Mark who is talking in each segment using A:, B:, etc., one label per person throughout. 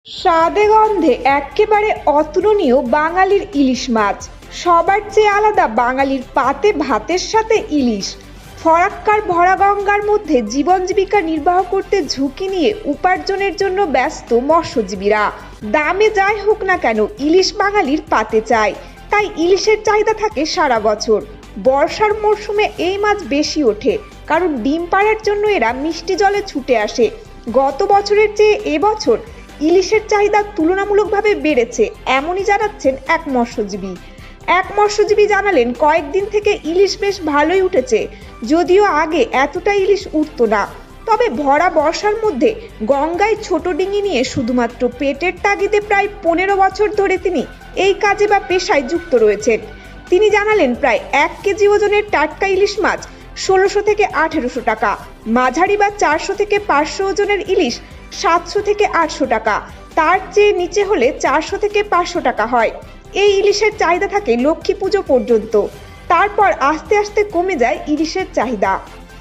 A: স্বাদে গন্ধে এক্কেবারে অতুলনীয় বাঙালির ইলিশ মাছ। সবার চেয়ে আলাদা বাঙালির পাতে ভাতের সাথে ইলিশ। ফরাক্কার ভরা গঙ্গার মধ্যে জীবন জীবিকা নির্বাহ করতে ঝুঁকি নিয়ে উপার্জনের জন্য ব্যস্ত মৎস্যজীবীরা। দামে যাই হোক না কেন ইলিশ বাঙালির পাতে চাই, তাই ইলিশের চাহিদা থাকে সারা বছর। বর্ষার মরশুমে এই মাছ বেশি ওঠে, কারণ ডিম পাড়ার জন্য এরা মিষ্টি জলে ছুটে আসে। গত বছরের চেয়ে এবছর ইলিশের চাহিদা তুলনামূলকভাবে বেড়েছে, এমনই জানাচ্ছেন এক মৎস্যজীবী জানালেন, কয়েকদিন থেকে ইলিশ বেশ ভালোই উঠেছে, যদিও আগে এতটা ইলিশ উঠতো না। তবে ভরা বর্ষার মধ্যে গঙ্গায় ছোট ডিঙি নিয়ে শুধুমাত্র পেটের তাগিদে প্রায় 15 বছর ধরে তিনি এই কাজে বা পেশায় যুক্ত রয়েছেন। তিনি জানালেন, প্রায় 1 কেজি ওজনের টাটকা ইলিশ মাছ 1600 থেকে 1800 টাকা, মাঝারি বা 400 থেকে 500 ওজনের ইলিশ 700 থেকে 800 টাকা, তার চেয়ে নিচে হলে 400 থেকে 500 টাকা হয়। এই ইলিশের চাহিদা থাকে লক্ষ্মী পুজো পর্যন্ত, তারপর আস্তে আস্তে কমে যায় ইলিশের চাহিদা।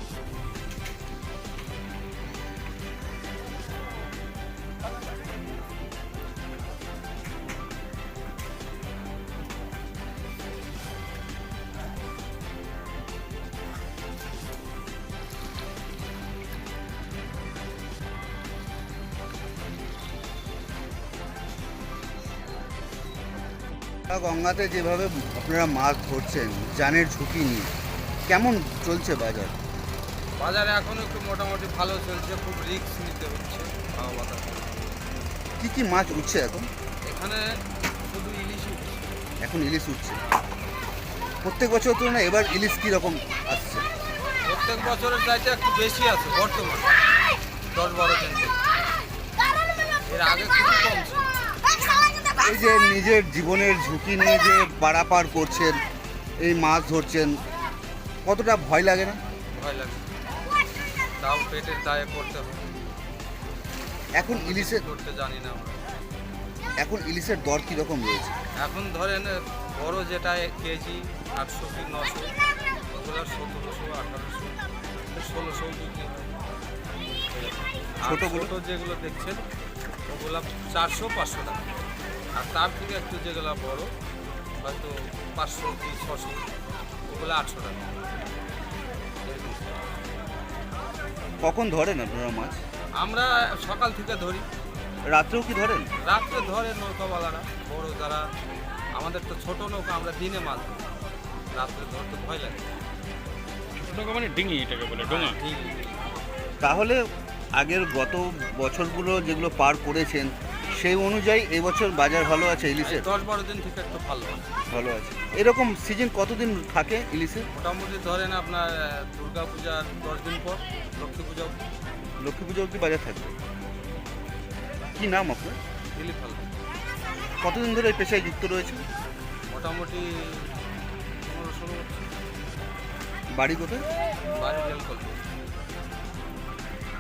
B: গঙ্গাতে যেভাবে আপনারা মাছ ধরছেন জানের ঝুঁকি নিয়ে, কেমন চলছে বাজার?
C: বাজারে এখন একটু মোটামুটি ভালো চলছে, খুব রিস্ক নিতে হচ্ছে হাওয়া বাতাস।
B: কি কি মাছ উঠছে এখন?
C: এখানে শুধু ইলিশ উঠছে।
B: এখন ইলিশ উঠছে। প্রত্যেক বছর তুলনায় এবার ইলিশ কীরকম আসছে?
C: প্রত্যেক বছরের চাইতে একটু বেশি আছে বর্তমানে, 10-12 কেজি। এর আগে খুবই কম ছিল।
B: এই যে নিজের জীবনের ঝুঁকি নিয়ে যে পারাপার করছেন, এই মাছ ধরছেন, কতটা ভয় লাগে না?
C: ভয় লাগে, তাও পেটের দায়ে করতে হবে।
B: এখন ইলিশের
C: করতে জানি না আমরা।
B: এখন ইলিশের দর কীরকম রয়েছে?
C: এখন ধরেন বড় যেটা কেজি 800 কি 900, ওগুলো 1700, 1800, 1600 বিক্রি হয়।
B: ছোটগুলো?
C: ছোটো যেগুলো দেখছেন ওগুলো 400-500 টাকা, আর তার থেকে একটু যেগুলো বড় হয়তো 500 কি 600, ওগুলো 800 টাকা।
B: কখন ধরেন আপনারা মাছ?
C: আমরা সকাল থেকে ধরি।
B: রাত্রেও কি ধরেন?
C: রাত্রে ধরে নৌকাওয়ালারা, বড় যারা, আমাদের তো ছোট নৌকা, আমরা দিনে মাছ ধরি, রাত্রে ধরতে ভয় লাগে।
D: ছোট নৌকা মানে ডিঙি, এটাকে বলে ডোঙা।
B: তাহলে আগের গত বছরগুলো যেগুলো পার করেছেন সেই অনুযায়ী এবছর বাজার ভালো আছে ইলিশের?
C: 10-12 দিন থেকে একটু ভালো আছে।
B: ভালো আছে। এরকম সিজন কতদিন থাকে ইলিশের?
C: মোটামুটি ধরেন আপনার দুর্গা পূজার 10 দিন পর লক্ষ্মী পূজা।
B: লক্ষ্মী পুজো অবধি বাজার থাকবে। কি নাম আপনার?
C: দিলি ভালো।
B: কতদিন ধরে এই পেশায় যুক্ত রয়েছে?
C: মোটামুটি 15-16 বছর।
B: বাড়ি কোথায়?
C: বাড়ি রেল কল।